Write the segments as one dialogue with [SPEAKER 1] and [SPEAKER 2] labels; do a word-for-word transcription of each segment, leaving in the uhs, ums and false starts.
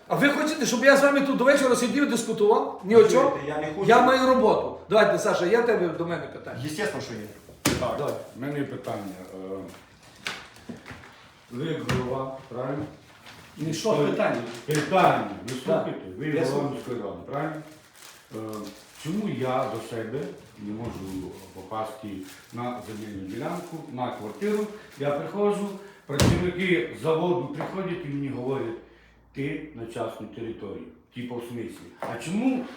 [SPEAKER 1] А ви хочете, щоб я з вами тут до вечора сидів і дискутував? Ні о чому?
[SPEAKER 2] Я не хочу.
[SPEAKER 1] Я маю роботу. Давайте, Саша, я тебе до мене питання.
[SPEAKER 2] Звісно, що є.
[SPEAKER 3] Так,
[SPEAKER 1] Давай.
[SPEAKER 3] в мене є питання. Е, Ви як голова, правильно?
[SPEAKER 1] Ну, що питання?
[SPEAKER 3] Питання. Ви слухайте, ви
[SPEAKER 1] Я
[SPEAKER 3] голова
[SPEAKER 1] слухаю.
[SPEAKER 3] міської ради, правильно? Е, Чому я до себе не можу попасти на земельну ділянку, на квартиру? Я приходжу, працівники заводу приходять і мені говорять, ти на частній території. Типу в смислі. А чому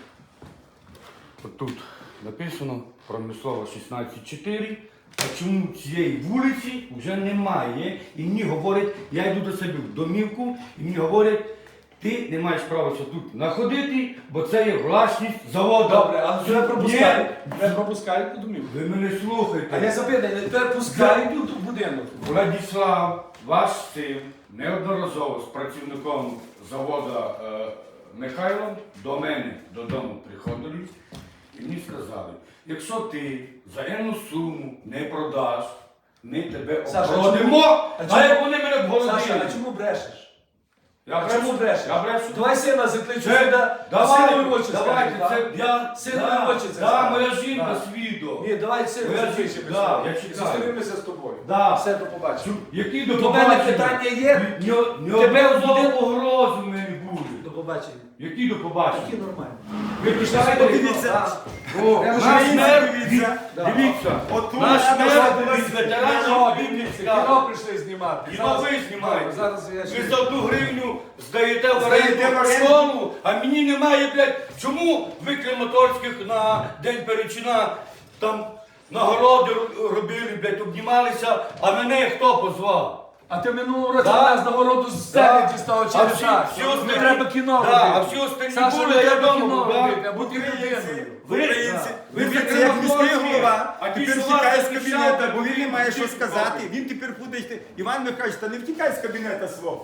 [SPEAKER 3] от тут написано промислова шістнадцять чотири, а чому цієї вулиці вже немає? І мені говорять, я йду до себе в домівку, і мені говорять, ти не маєш права ще тут знаходити, бо це є власність заводу.
[SPEAKER 1] Добре, а
[SPEAKER 3] Це
[SPEAKER 1] тебе пропускають?
[SPEAKER 3] є-
[SPEAKER 1] Тебе пропускають по домівку?
[SPEAKER 3] Ви мене слухайте.
[SPEAKER 1] А я запитаю, тебе пускають у будинок?
[SPEAKER 3] Владислав, ваш син, неодноразово з працівником заводу е, Михайлом до мене додому приходили і мені сказали, якщо ти за енну суму не продаш, ми тебе
[SPEAKER 1] Саша,
[SPEAKER 3] обгородимо,
[SPEAKER 1] а
[SPEAKER 3] а
[SPEAKER 1] чому-
[SPEAKER 3] як вони мене обгородили?
[SPEAKER 1] Саша, а чому брешеш?
[SPEAKER 3] Я
[SPEAKER 1] А чому
[SPEAKER 3] брешу,
[SPEAKER 1] брешеш?
[SPEAKER 3] я брешу.
[SPEAKER 1] Давай сина закличу
[SPEAKER 3] Це-
[SPEAKER 1] сюди,
[SPEAKER 3] Давайте,
[SPEAKER 1] синові в очі
[SPEAKER 3] давайте,
[SPEAKER 1] скажи,
[SPEAKER 3] це
[SPEAKER 1] да?
[SPEAKER 3] я,
[SPEAKER 1] Синові
[SPEAKER 3] да,
[SPEAKER 1] в очі це
[SPEAKER 3] да,
[SPEAKER 1] скажи.
[SPEAKER 3] моя жінка
[SPEAKER 1] Да.
[SPEAKER 3] свідок.
[SPEAKER 1] Ні, давай сину
[SPEAKER 3] Я
[SPEAKER 1] закличемо.
[SPEAKER 3] чекаю, да, я чекаю.
[SPEAKER 1] Зустрінемося з тобою.
[SPEAKER 3] Да.
[SPEAKER 1] Все, до побачення.
[SPEAKER 3] Які до
[SPEAKER 1] До мене питання є? Тебе
[SPEAKER 3] Тебе
[SPEAKER 1] буде-
[SPEAKER 3] погрози в мене буде.
[SPEAKER 1] До побачення.
[SPEAKER 3] Які до побачення?
[SPEAKER 1] Такі нормальні.
[SPEAKER 3] Ви пішли
[SPEAKER 2] Подивіться.
[SPEAKER 3] О,
[SPEAKER 1] Я
[SPEAKER 3] наш
[SPEAKER 1] вже
[SPEAKER 3] мер,
[SPEAKER 2] дивіться.
[SPEAKER 1] Да.
[SPEAKER 3] дивіться,
[SPEAKER 2] Отут
[SPEAKER 3] наш
[SPEAKER 2] я
[SPEAKER 3] мер
[SPEAKER 2] нажав
[SPEAKER 3] із ветеранів
[SPEAKER 1] Кіно,
[SPEAKER 3] Біблії
[SPEAKER 1] кіно
[SPEAKER 3] сказав.
[SPEAKER 1] прийшли знімати.
[SPEAKER 3] Кіно
[SPEAKER 1] Зараз-
[SPEAKER 3] ви знімаєте.
[SPEAKER 1] Зараз я
[SPEAKER 3] Ви
[SPEAKER 1] ще...
[SPEAKER 3] за одну гривню здаєте в
[SPEAKER 2] Здаєте в
[SPEAKER 3] оренду
[SPEAKER 2] оренду.
[SPEAKER 3] школу, а мені немає, блядь, чому ви Краматорських на День Перечина там нагороди ро- робили, блядь, обнімалися, а мене хто позвав?
[SPEAKER 1] А ти минулого року
[SPEAKER 3] Да.
[SPEAKER 1] нас нагороду з сцени дістав
[SPEAKER 3] А
[SPEAKER 1] через
[SPEAKER 3] всі-
[SPEAKER 1] так.
[SPEAKER 3] всі
[SPEAKER 1] Не
[SPEAKER 3] остальні-
[SPEAKER 1] треба кіно
[SPEAKER 3] Да,
[SPEAKER 1] робити.
[SPEAKER 3] а всі остальні
[SPEAKER 1] Саша,
[SPEAKER 3] були,
[SPEAKER 1] не
[SPEAKER 3] я
[SPEAKER 1] треба
[SPEAKER 3] дома
[SPEAKER 1] кіно
[SPEAKER 3] був, да.
[SPEAKER 1] робити, а бути людиною.
[SPEAKER 3] Ви-
[SPEAKER 2] Українці,
[SPEAKER 3] ви
[SPEAKER 2] ви
[SPEAKER 3] закрили
[SPEAKER 2] як міський
[SPEAKER 3] мозки,
[SPEAKER 2] голова,
[SPEAKER 3] а ті,
[SPEAKER 2] тепер
[SPEAKER 3] що
[SPEAKER 2] втікає
[SPEAKER 3] вас
[SPEAKER 2] з
[SPEAKER 3] захищали,
[SPEAKER 2] кабінету, бо він не має що
[SPEAKER 3] ті
[SPEAKER 2] сказати.
[SPEAKER 3] роблять.
[SPEAKER 2] Він тепер буде йти. Іван Михайлович, та не втікай з кабінету свого.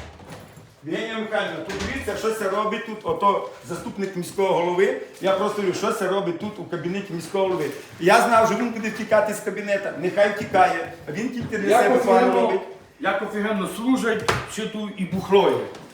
[SPEAKER 2] Євгенія Михайлівна, тут дивіться, що це робить тут, ото заступник міського голови. Я просто говорю, що це робить тут у кабінеті міського голови. Я знав, що він буде втікати з кабінету, нехай втікає, а він тільки для
[SPEAKER 3] Як
[SPEAKER 2] себе план
[SPEAKER 3] офігенно,
[SPEAKER 2] робить.
[SPEAKER 3] як офігенно служать, що тут і бухлоє.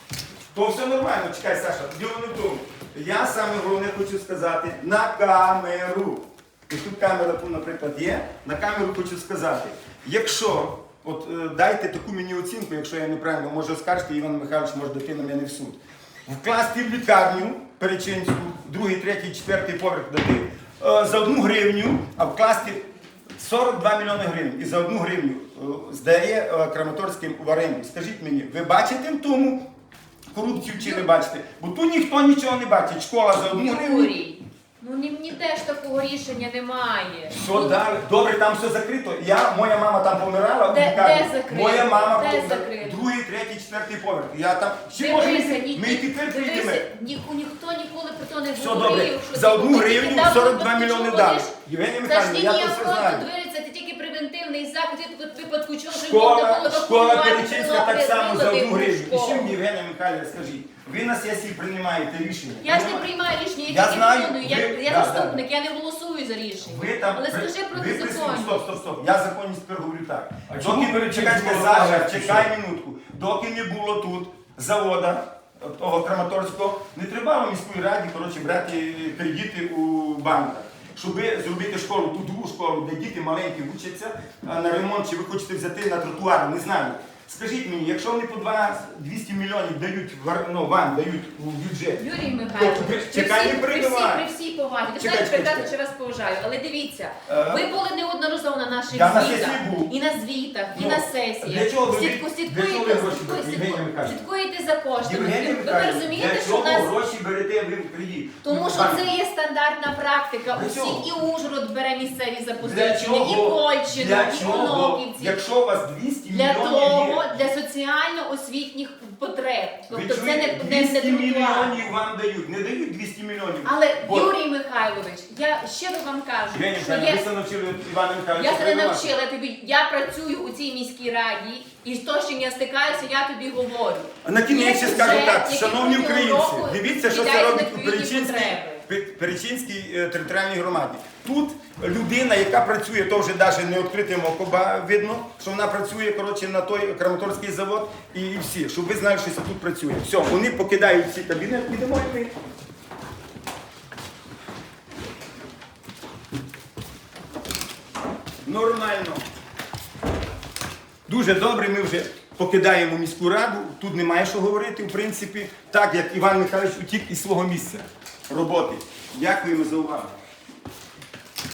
[SPEAKER 2] То все нормально, чекай, Саша, діло не в тому. Я саме головне хочу сказати на камеру. І тут камера, тут, наприклад, є. На камеру хочу сказати, якщо, от е, дайте таку мені оцінку, якщо я неправильно, може оскаржити, Іван Михайлович може дати на мене в суд. Вкласти в лікарню Перечинську, другий, третій, четвертий поверх дати е, за одну гривню, а вкласти сорок два мільйони гривень. І за одну гривню е, здає е, Краматорським в оренду. Скажіть мені, ви бачите в тому корупцію чи не бачите? Бо тут ніхто нічого не бачить. Школа за одну гривню.
[SPEAKER 4] Юрій, ну ні, ні теж такого рішення немає.
[SPEAKER 2] Що далі? Добре, там все закрито. Я, моя мама там помирала. в
[SPEAKER 4] Де-
[SPEAKER 2] лікарні.
[SPEAKER 4] де закрито?
[SPEAKER 2] Моя мама
[SPEAKER 4] Де
[SPEAKER 2] помер-
[SPEAKER 4] закрито?
[SPEAKER 2] другий, третій, четвертий поверх. Я там ще може
[SPEAKER 4] Дивися,
[SPEAKER 2] ми,
[SPEAKER 4] ні,
[SPEAKER 2] ми і тепер
[SPEAKER 4] дивися,
[SPEAKER 2] прийдемо.
[SPEAKER 4] ні, ніхто ніколи про то не
[SPEAKER 2] Все
[SPEAKER 4] говорив.
[SPEAKER 2] добре.
[SPEAKER 4] що
[SPEAKER 2] За
[SPEAKER 4] ти
[SPEAKER 2] одну
[SPEAKER 4] тільки
[SPEAKER 2] гривню
[SPEAKER 4] дав
[SPEAKER 2] сорок два
[SPEAKER 4] випадку,
[SPEAKER 2] мільйони
[SPEAKER 4] чого
[SPEAKER 2] дали.
[SPEAKER 4] ж?
[SPEAKER 2] Євгенія
[SPEAKER 4] Це ж
[SPEAKER 2] Михайлівна,
[SPEAKER 4] ні
[SPEAKER 2] я
[SPEAKER 4] ні
[SPEAKER 2] це все
[SPEAKER 4] охорону
[SPEAKER 2] знаю.
[SPEAKER 4] дивиться, це тільки превентивний захід, в випадку чого ж можна
[SPEAKER 2] Школа,
[SPEAKER 4] було
[SPEAKER 2] школа
[SPEAKER 4] евакуювати
[SPEAKER 2] Перечинська так
[SPEAKER 4] Тернопіль,
[SPEAKER 2] само за одну
[SPEAKER 4] виладити
[SPEAKER 2] гривню. І
[SPEAKER 4] школу.
[SPEAKER 2] чим, Євгенія Михайлівна, скажіть, ви на сесії приймаєте рішення.
[SPEAKER 4] Я ж не приймаю рішення, я,
[SPEAKER 2] Я
[SPEAKER 4] тільки
[SPEAKER 2] знаю,
[SPEAKER 4] виконую, я,
[SPEAKER 2] ви-
[SPEAKER 4] я
[SPEAKER 2] да,
[SPEAKER 4] заступник, я не голосую за рішення.
[SPEAKER 2] Ви там
[SPEAKER 4] Але
[SPEAKER 2] при-
[SPEAKER 4] скажи про
[SPEAKER 2] ви присутні. Стоп,
[SPEAKER 4] незаконність.
[SPEAKER 2] стоп, стоп. Я законність тепер говорю так.
[SPEAKER 3] А чому
[SPEAKER 2] Доки
[SPEAKER 3] Перечинська
[SPEAKER 2] чекай, чекай,
[SPEAKER 3] була
[SPEAKER 2] Саша,
[SPEAKER 3] легше,
[SPEAKER 2] чекай минутку. Доки не було тут завода того Краматорського, не треба міської раді, коротше, брати кредити у банках. Щоб зробити школу, ту другу школу, де діти маленькі вчаться а, на ремонт, чи ви хочете взяти на тротуар, не знаю. Скажіть мені, якщо вони по двісті мільйонів дають в- ну, вам, дають у бюджет,
[SPEAKER 4] Юрій Михайлович,
[SPEAKER 2] ви-
[SPEAKER 4] при
[SPEAKER 2] чекай,
[SPEAKER 4] всій,
[SPEAKER 2] не
[SPEAKER 4] при, всій,
[SPEAKER 2] перебивай.
[SPEAKER 4] при всій повазі, ви
[SPEAKER 2] Чекай,
[SPEAKER 4] знаєте,
[SPEAKER 2] чекай,
[SPEAKER 4] прекрасно,
[SPEAKER 2] чекай.
[SPEAKER 4] що вас поважаю, але дивіться,
[SPEAKER 2] Е,
[SPEAKER 4] ви були неодноразово на наших
[SPEAKER 2] я на
[SPEAKER 4] звітах,
[SPEAKER 2] сесії був.
[SPEAKER 4] і на звітах, і
[SPEAKER 2] Ну,
[SPEAKER 4] на сесіях.
[SPEAKER 2] для чого ви-
[SPEAKER 4] Слідку-
[SPEAKER 2] для
[SPEAKER 4] слідкуєте,
[SPEAKER 2] чого ви гроші
[SPEAKER 4] слідкуєте,
[SPEAKER 2] берете, Євгенія Михайлівна?
[SPEAKER 4] слідкуєте за коштами.
[SPEAKER 2] Євгенія
[SPEAKER 4] Ви
[SPEAKER 2] Михайлівна,
[SPEAKER 4] розумієте,
[SPEAKER 2] для
[SPEAKER 4] що
[SPEAKER 2] чого
[SPEAKER 4] в нас...
[SPEAKER 2] гроші берете ви в кредит?
[SPEAKER 4] Тому що
[SPEAKER 2] Банк.
[SPEAKER 4] це є стандартна практика.
[SPEAKER 2] Для
[SPEAKER 4] Усі
[SPEAKER 2] чого?
[SPEAKER 4] і Ужгород бере місцеві
[SPEAKER 2] Для
[SPEAKER 4] запозичення, і
[SPEAKER 2] чого?
[SPEAKER 4] Кольщина,
[SPEAKER 2] Для
[SPEAKER 4] і
[SPEAKER 2] чого?
[SPEAKER 4] Конопівці.
[SPEAKER 2] Якщо у вас двісті
[SPEAKER 4] Для
[SPEAKER 2] мільйонів
[SPEAKER 4] того,
[SPEAKER 2] є,
[SPEAKER 4] для соціально-освітніх потреб.
[SPEAKER 2] ви
[SPEAKER 4] Тобто це
[SPEAKER 2] чуєте,
[SPEAKER 4] не, не, не
[SPEAKER 2] двісті
[SPEAKER 4] тротуар.
[SPEAKER 2] мільйонів вам дають, не дають двісті мільйонів.
[SPEAKER 4] Але
[SPEAKER 2] Бо-
[SPEAKER 4] Юрій Михайлович, я щиро вам кажу,
[SPEAKER 2] Євгенія
[SPEAKER 4] що
[SPEAKER 2] Михайлівна, ви
[SPEAKER 4] є.
[SPEAKER 2] це навчили Івана Михайловича.
[SPEAKER 4] Я тебе
[SPEAKER 2] перебивати.
[SPEAKER 4] навчила тобі. Я працюю у цій міській раді, і з того, з чим я стикаюся, я тобі говорю.
[SPEAKER 2] А на кінець
[SPEAKER 4] Є
[SPEAKER 2] ще скажу
[SPEAKER 4] бюджет,
[SPEAKER 2] так,
[SPEAKER 4] який
[SPEAKER 2] шановні
[SPEAKER 4] протягом
[SPEAKER 2] українці,
[SPEAKER 4] року
[SPEAKER 2] дивіться, що це
[SPEAKER 4] віддається
[SPEAKER 2] робить
[SPEAKER 4] на відповідні
[SPEAKER 2] Перечинський,
[SPEAKER 4] потреби.
[SPEAKER 2] Пе- Перечинській е, територіальній громаді. Тут людина, яка працює, то вже навіть не відкритим окоба видно, що вона працює коротше, на той Краматорський завод і, і всі, щоб ви знали, що це тут працює. Все, вони покидають ці кабінети, підемо і ми. Нормально. Дуже добре, ми вже покидаємо міську раду, тут немає що говорити, в принципі, так як Іван Михайлович утік із свого місця роботи. Дякуємо за увагу.